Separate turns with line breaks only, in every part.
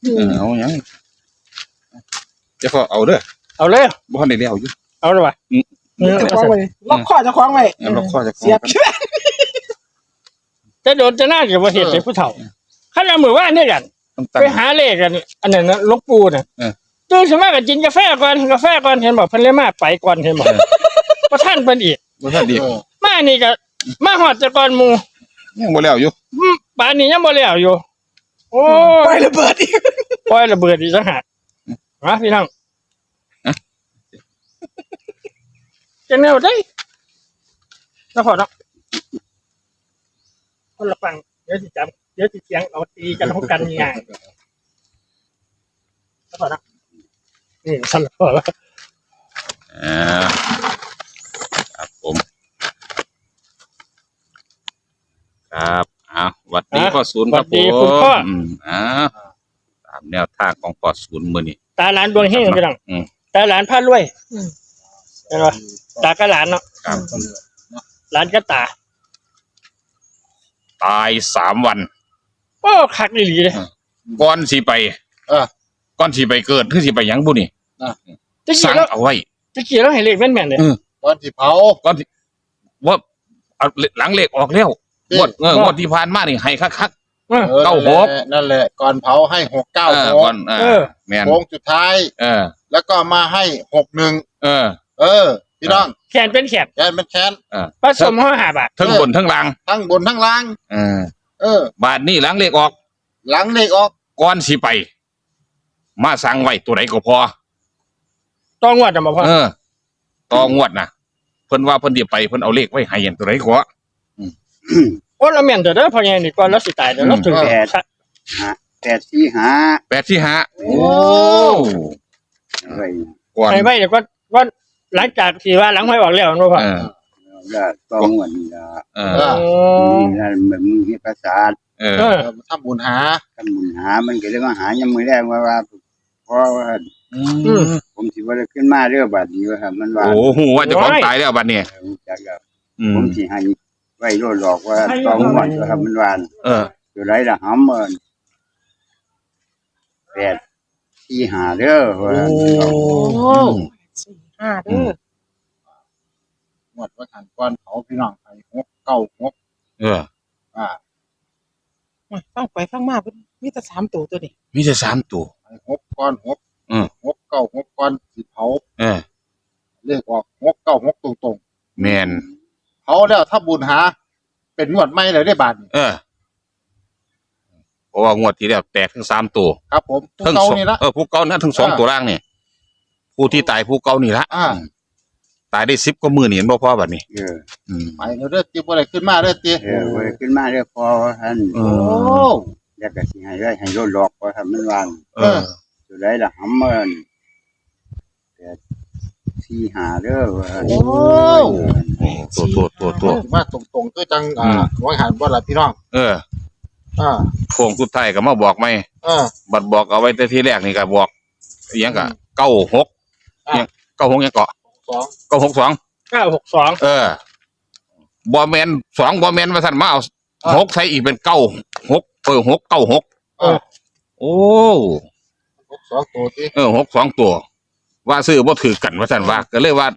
เอายังจะพอเอาเด้อ
เอาเลย
บ่ทันได้แล้วอยู่
เอาเลยว่ะ
จะคล้องไว้ล็อกข้อจะคล้องไว้
ล็อกคอจะ
เสียบเชือก
จะโดนจะน่าเกี่ยวกับเหตุใส่ผู้เฒ่าขั้นเอามือว่าเนี่ยกัน
ต้องตั้ง
ไปหาเลขกันอันนั้นนะหลวงปู่น่ะตื่นขึ้นมาก็กินกาแฟก่อนเห็นบอกเพิ่นเลยมาไปก่อนเห็นบอกประท่านเพิ่นอีก
บ่ทันดี
มานี่ก็มาฮอดแต่ก่อนหมู่
ยังบ่แล้วอยู่
ป่านนี้ยังบ่แล้วอยู่โอ้
ปล่อยระเบิดอีก
ปล่อยระเบิดอีกจังหากมาพี่น้องจะแนวได้แล้วพอเนาะคนละฟังเดี๋ยวสิจำเดี๋ยวสิเสียงเอาตีกันของกันง่ายแล้วพอเนาะสลับพอแล้ว
ครับผมครับหวัดดีพ่อศูนย์ครับผมตามแนวทางของพ่อศูนย์มื้อนี้
ตาหลานดวงเฮงพี่น้องตาหลานพารวยเห็นป่ะตาก็หลานเนาะ
ครับ
หลานก็ตา
ตาย3 วัน
โอ้คักอีหลีเลย
ก่อนสิไปก่อนสิไปเกิดคือสิไปหยังบุนี่
ตะกี้
สั่ง
แล้ว
เอาไว้
ตะกี้แล้วให้เลขแม่นๆเลย
ก่อนที่เผา
ก่อนที่ว่าเอาหลังเลขออกแล้วงวดที่ผ่านมานี่ให้คัก 96
นั่นแหละก่อนเผาให้696
ก่อนแม่น
โค้งสุดท้ายแล้วก็มาให้61พี่น้อง
แขนเป็นแขน
แกนเป็นแค้น
ผสมห่อ5 บาท
ทั้งบนทั้งล่าง
ทั้งบนทั้งล่าง
บาทนี้หลังเลขออก
หลังเลขออก
ก่อนสิไป มาสั่งไว้ตัวไหนก็พอ
ต้องงวดจะมาพ่อ
ต่องวดนะเพิ่นว่าเพิ่นสิไปเพิ่นเอาเลขไว้ให้อย่างตัวไหนก็
โอ้เราแม่นเด้อพ่อใหญ่นี่ก่อนเราสิตายเด้อเราถึง
845โอ้ก่อน
ให้ไว้เดี๋ยวก็หลังจากที่ว่าหลังห้อยออกแล้วเนาะพ่อ
ต้องเหมือนนี่มันมีภาษา
ทำบุญหา
ทำบุญหามันก็เลยมาหายังไม่ได้ว่าเพราะว่าผมสิว่าขึ้นมาเรื่องบัดนี้ว่ามันว่า
โอ้โหว่าจะของตายแล้วบัดนี้
ผมสิให้ไว้โลดหลอกว่าต้องหมดว่ามันวานอยู่ไรละหำมัน845เด้อว่า
5เด้อ
หมดว่าหันก่อนเผาพี่น้องให้696
ฟังไปฟังมามีแต่3ตัวนี้
มีแต่3ตัว
ให้6ก่อน696ก่อนสิเผาเลขออก696ตรง
แม่น
ๆเผาแล้วถ้าบุญหาเป็นงวดใหม่เลยได้บาท
เพราะว่างวดที่แล้วแตกทั้ง3ตัว
ครับผมผู้เก่านี่ละ
ผู้เก่านะทั้ง2ตัวล่างนี่ผู้ที่ตายผู้เก่านี่ละตายได้10กว่ามื้อนี่เห็นบ่พอบัดนี้
ไปเด้อติ๊บบ่ได้ขึ้นมาเด้อติ๊บ
ว่าขึ้นมาเด้อพอท่านแล้วก็สิให้ไว้ให้โลดหลอกว่ามันวานอยู่ไรละหำมัน845เด้อว่า
ตัว
มาตรงๆคือจังว่าหันบ่ล่ะพี่น้อง
โค้งสุดท้ายก็มาบอกไหมบัดบอกเอาไว้แต่ที่แรกนี่ก็บอกอิหยังก็96ยัง96ยังเกาะ962
962
บ่แม่น2บ่แม่นว่าซั่นมาเอา6ใส่อีกเป็น96 696โอ้
62ตัวติ
62ตัวว่าซื้อบ่ถือกันว่าซั่นว่าก็เลยว่า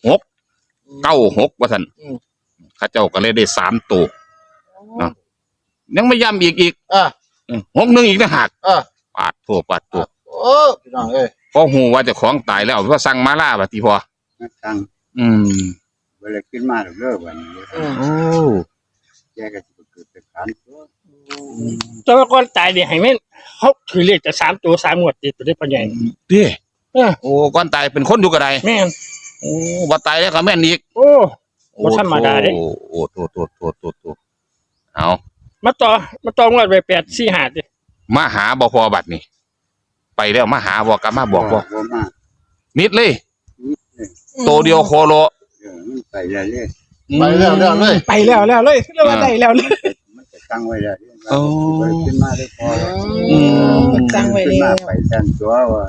696ว่าซั่นเขาเจ้าก็เลยได้3ตัวเนาะยังไม่ย้ำอีก61อีกนะหักปาดตัว
โอ้พี่น้องเอ้ย
พอฮู้ว่าเจ้าของตายแล้วว่าสั่งมาล่าบัดนี้พอ
สั่งเวลาขึ้นมาเด้อบัดนี้แกก็สิเกิดเป็นขัน
ตัวก่อนตายนี่ให้แม่นเขาถือเลขแต่3ตัว3งวดติดตัวได้พ่อใหญ่
ติโอ้ก่อนตายเป็นคนอยู่ก็ได้
แม่น
โอ้บ่ตายแล้วก็แม่นอีก
โอ้บ่ธรรมดาเด้
โอ้ตัวเอา
มาต่องวดไป845ติ
มาหาบ่พอบัดนี้ไปแล้วมาหาบ่กลับมาบอกบ่นิดเลยโตเดียวโคโล
ไปแล้วเลย
ไปแล้วเลย
ไปแล้วเลยเรียกว่าได้แล้วเลย
มันจะตั้งไว้แล้วขึ้นมาได้พอ
ตั้งไว้แล้ว
ไปสั่นตัวว่า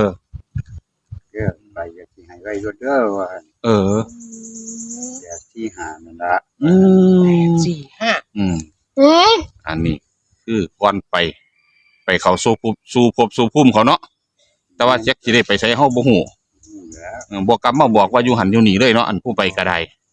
ไปก็สิให้ไว้รถเด้อว่า845นั่นล่ะ
845
อันนี้คือก่อนไปไปเข้าสู่ภพสู่ภูมิเขาเนาะแต่ว่าจักสิได้ไปไสเฮาบ่ฮู้บ่กลับมาบอกว่าอยู่หันอยู่นี่เลยเนาะอันผู้ไปก็ได้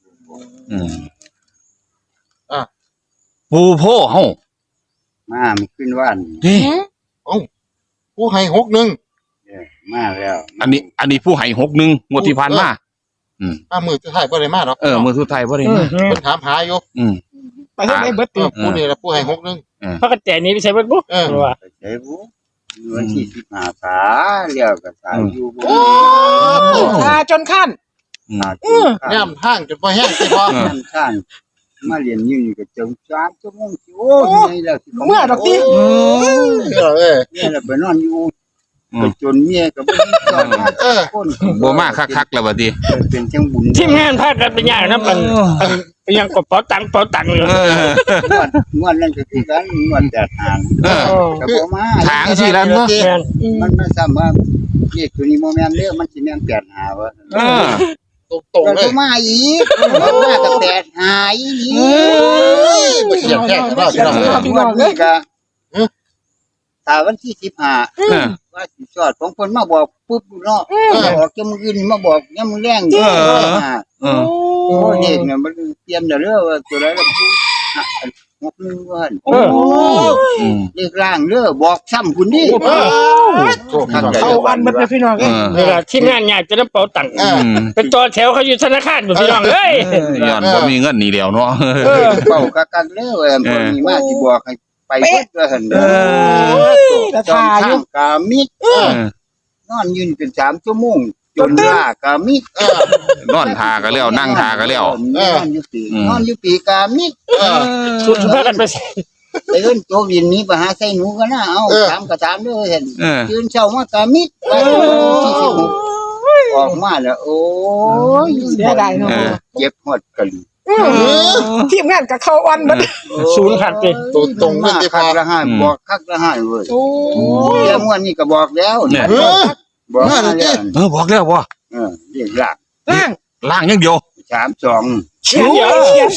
ปูโพเฮา
มามันขึ้นว่าน
เด้
ผู้ให้61
มาแล้ว
อันนี้ผู้ให้61งวดที่ผ่านมา
มือสุดท้ายบ่ได้มาหรอก
มื้อสุดท้ายบ่ได้มา
เพิ่นถามหาอยู่
ไปให้ได้เบิดติ
ผู้นี่ล่ะผู้ให้61
พระกระแจนี้ไปใช้เบิดบ่ว่า
ใช่บุวันที่15ขาเลี้ยวก็สายอยู่บ่
จนขั้น
ย่ำทางจนบ่แห้งสิพอ
น้ำท่านมาเรียนอยู่นี่ก็จง3ชั่วโมงโอ้ยแล้วสิ
เมื่อดอกติ
เนี่ยแล้วไปนอนอยู่ก็จนเมียก็บ่ได้สอนมาคน
บ่มาคักๆแล้วบัดนี้
เป็นจังบุญ
ทีมงานพากันไปย่างนำกันยังกดเป๋าตังเลย
งวดนั้นก็คือกันงวดแต่ทางก็บ่มา
ทางสิแล้วเนาะ
แม่น
มันไม่ซ้ำว่าเลขตัวนี้บ่แม่นเด้อมันสิแม่น85ว่า
ตรง
แล้ว
เล
ก็
ย
มาอีกมาก็85อีก
บ่เสียแค่กันเนาะพี่น้อง
งวดนี้ก็ถ้าวันที่15ว่าสิสอดของเพิ่นมาบอกปุ๊บเนาะบอกจะมื้ออื่นมาบอกยามมื้อแลงโอ้เด็กเนี่ยมันเตรียมเด้อว่าตัวใดล่ะผู้61ว่าเลขล่างเด้อบอกซ้ำคุณดิ
เข้าวันเบิดเลยพี่น้อง
เวลาทีมงานอยากจะนำเป๋าตังค์เป็นต่อแถวเขาอยู่ธนาคารบ่พี่น้องเอ้ย
ย้อนบ่มีเงินนี่แล้วเนาะ
เป้ากักๆเด้อเพิ่นมีมาสิบอกให้ไปเบิดว่าหั่นเด้อทางกามิดนอนยืนเป็น3ชั่วโมงจนลากามิด
นอนทาก็แล้วนั่งทาก็แล้ว
นอนอยู่ปีกามิด
สุดพากันไป
ไปเอิ้นโตดินนี้ไปหาใส่หนูกันนะเอาถามก็ถามเด้อเห็นยืนเช้ามากามิดไปที่16ออกมาแล้วโอ้ย
เสียดายเนาะ
เจ็บหมดกัน
ทีมงานก็เข้าวันเบิด
ศูนย์ขาดไป
ตรงเลยสิพ
คั
อก
ละห้าบอกคักละห้าเว้ย
โอ้
เรื่องวันนี้ก็บอกแล้ว
เนี่ย
บอกมาแล้ว
บอกแล้วบ่
เรียกหลัก
ล่าง
ล่างอย่างเดียว
32
เขียน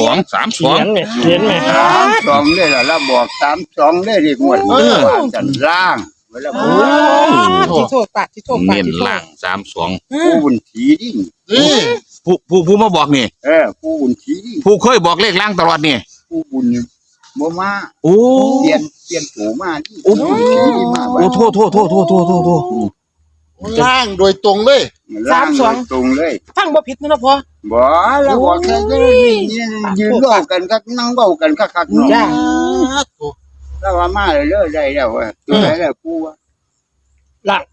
32
เนี่ยเขียนแม่
32เลยล่ะแล้วบอก32เลยเรียกหมดว่ากันล่างเวลาพูด
ที่โทษปากที่โทษปาก
เน้นล่าง32
ผู้บุญถีดิ
นี่
ผู้มาบอกนี่
ผู้บุญถีดิ
ผู้เคยบอกเลขล่างตลอดนี่
ผู้บุญบ่มา
โอ้
เปลี่ยนโถมาดิ
โอ้
มา
โอ้โทษ
ล่างโดยตรงเลย
ล่างตรงเลย
ฟังบ่ผิดนะพ่อ
บ่แล้วบอกแค่ยืนเว้ากันคักนั่งเว้ากันคักๆเนาะ
จ้า
แล้วว่ามาเลยได้แล้วว่าตัวไหนแล้วกูว่า
ล่าง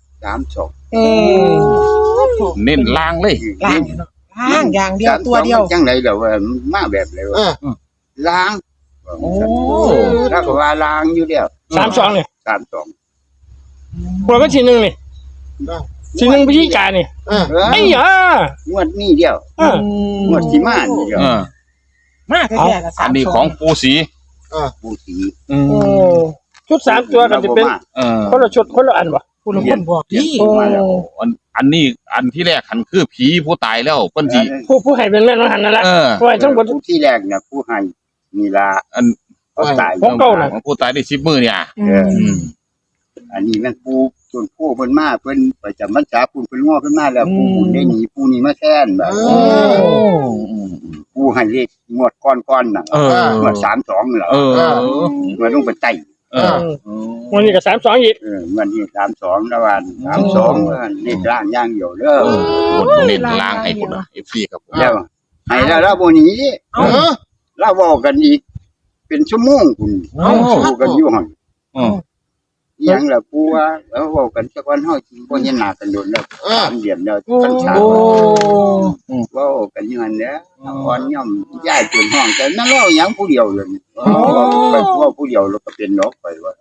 32
เน้นล่างเลย
ล่างล่างอย่างเดียวตัวเดียว
จังได๋แล้วว่ามาแบบเลยว่าล้างแล้วก็ว่าล้างอยู่แล้ว
32เนี่ย
32
หัวก็ทีนึงนี่ทีนึงพิธีการนี่ไอ้หยาง
วดนี้เดียวงวดที่มานี่เดียว
มาแท้ๆละ
อันนี้ของปูสี
ผู้สี
โอ้ชุด3ตัวกันจะเป็นคนละชุดคนละอันบ่
ผู้ลงคนบอกพี่
อันนี้อันที่แรกหันคือผีผู้ตายแล้วเพิ่นสิ
ผู้ให้เป็นแม่นหันนั่นแหละผู้ให้ทั้งหมด
ที่แรกน่ะผู้ให้นี่ล่ะ
อัน
ตาย
ของเก่าน่ะ
ของผู้ตายได้10มื้อเนี่ย
อันนี้มันผู้ส่วนผู้เพิ่นมาเพิ่นประจำพรรษาเพิ่นง้อเพิ่นมาแล้วผู้บุญได้หนีผู้นี้มาแทนแบบผู้ให้เลขงวดก้อนๆน่ะงวด32นี่ล่ะงวดลงไปไต่
วันนี้ก็32อีก
งวดนี้32แล้วว่า32ว่าเลขล่างอย่างเดียวเด้อ
เน้นล่างให้คุณ FC ครับผม
แล้วให้แล้วบ่หนีเราเว้ากันอีกเป็นชั่วโมงคุณอยู่กันอยู่หั่นอีหยังล่ะปู่ว่าแล้วเว้ากันจักวันเฮาสิบ่เห็นหน้ากันโดนแล้ว3เดือนแล้วกันชาเว้ากันอยู่หั่นแหละอ่อนย่อมย้ายจนห้องแต่นั่นเว้าหยังผู้เดียวเลยไปเว้าผู้เดียวแล้วก็เป็นนกไปว่า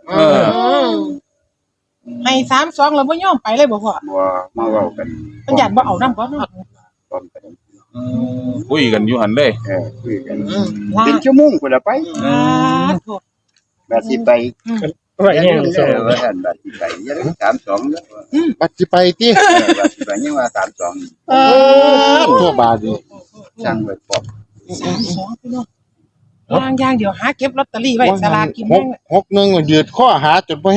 ให้32แล้วบ่ยอมไปเลยบ่พ่อ
บ่มาเว้ากัน
เพิ่นอยากบ่เอานำบ่เนาะ
พร้อมกัน
คุยกันอยู่หันเลย
คุยกัน
ล่า
เป็น
ง
ชั่วโมงพุ่นละไป
โทษ
แบบสิไป
ไว้เนี่ย
ว่าท่านแบบสิไปยัง32แล้ว
บัดสิไปติ
แบบสิไปยังว่า32
ทั่วบาดนี่
ช่างไว้ปอบ
32พี่น้องล่างอย่างเดียวหาเก็บลอตเตอรี่ไว้สลากกินแบ่ง
61ยืดข้อหาจนบ่แห้ง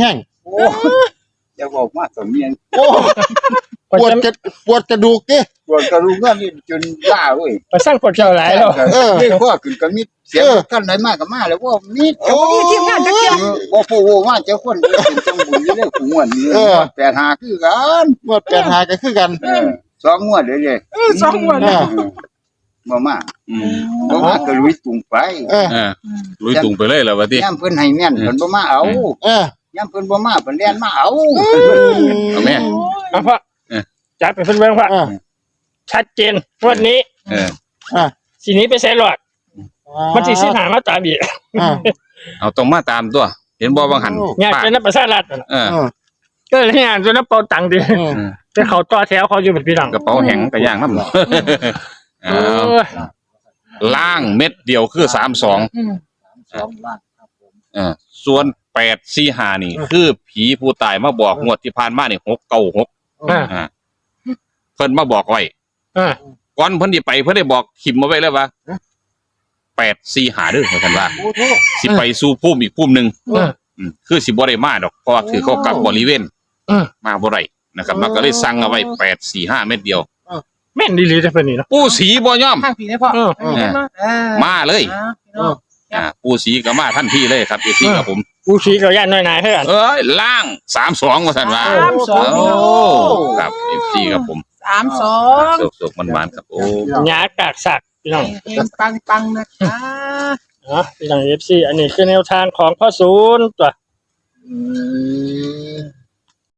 โอ้จะบอกมาสมเมียน
โอ้ปวดกระดูกดิ
ปวดกระดูกนี่จนล่าเว้ย
ไปสร้างปวดเจ้าหลายแล้ว
เรียกว่าขึ้นก็มีเสียงกันไหนมากก็มาแล้วว่ามี
โอ้
ทีมงานจักเที่ย
บ่ฟูว่าเจ้าคนเป็นจังบุญอยู่เรื่องของวันนี้85คือกัน
ปวด8หาก็คือกัน
2งวดเลย
สองงวดแล้ว
บ่มา
อืม
บ่มาก็ลุยตุงไป
ลุยตุงไปเลยแล้วว่าติ
ย่ำเพิ่นให้แม่นเพิ่นบ่มาเอา
เออย่
ำเพิ่นบ่มาเพิ่นเรียนมาเอา
เอาแม่
เอาพ่อจัดไปเพิ่นเบิ่งพ่อ
อ่า
ชัดเจนวันนี้
เออ
สีนี้ไปใส่หลอดมันสิสิหามาตามอีก
เอาต้องมาตามตัว เห็นบ่บางหัน
งานเป็นนักประชารัฐนั่นน่ะ
เออ
ก็เลยงานจนน้ำเปาตังค์ดิแต่เขาต่อแถวเขาอยู่เป็นพี่น้อง
กระเป๋าแห้งกระย่างน้ำเอา
โอ้ย
ล่างเม็ดเดียวคือ32
2ล้านครับผม
ส่วน845นี่ คือผีผู้ตายมาบอกงวดที่ผ่านมานี่696
อ่า
เพิ่นมาบอกไว้
อ่า
ก่อนเพิ่นสิไปเพิ่นได้บอกขิมมาไว้แล้วว่า845เด้อว่าซั่นว่า
โอ้โห
สิไปสู่ภูมิอีกภูมิหนึง
อ่า
คือสิบ่ได้มาดอกเพราะว่าถือเขากับบริเวณ
อ่า
มาบ่ได้นะครับมันก็เลยสั่งเอาไว้845เม็ดเดียว
แม่นดีๆจะเป็นนี่เนาะ
ปู่ศรีบ่ยอม
ข้างผีได้พ่อ
มาเลย
พี่น้อง
ปู่ศรีก็มาทันทีเลยครับพี่ครับผม
กูชี้กับย่านน้อยนายเท่ากัน
เอ้ยล่าง32ว่าซั่นว่า
32
โอ้ครับ FC ครับผม
32
สุกๆมันๆครับโอ้
หยากากสักพี่น้อง
เฮงปังๆนะคะ
พี่น้อง FC อันนี้คือแนวทางของพ่อศูนย์ตัว
อืม